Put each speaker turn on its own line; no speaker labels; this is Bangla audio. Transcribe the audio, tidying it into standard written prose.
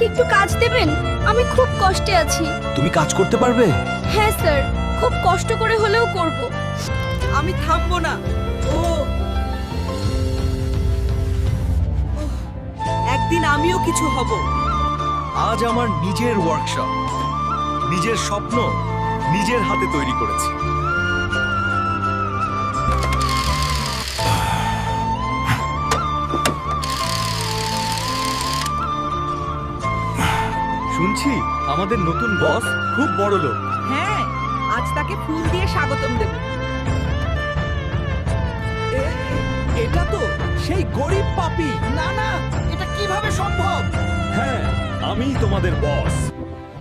একটু কাজ দেবেন? আমি খুব কষ্টে আছি।
তুমি কাজ করতে পারবে?
হ্যাঁ স্যার, খুব কষ্ট করে হলেও করব।
আমি থামবো না। ও একদিন আমিও কিছু হব।
আজ আমার নিজের ওয়ার্কশপ, নিজের স্বপ্ন নিজের হাতে তৈরি করেছি। শুনছি আমাদের নতুন বস খুব বড় লোক।
হ্যাঁ, আজ তাকে ফুল দিয়ে স্বাগতম দেব।
এটা তো সেই গরিব পাপী। না না, এটা কিভাবে সম্ভব?
হ্যাঁ, আমিই তোমাদের বস।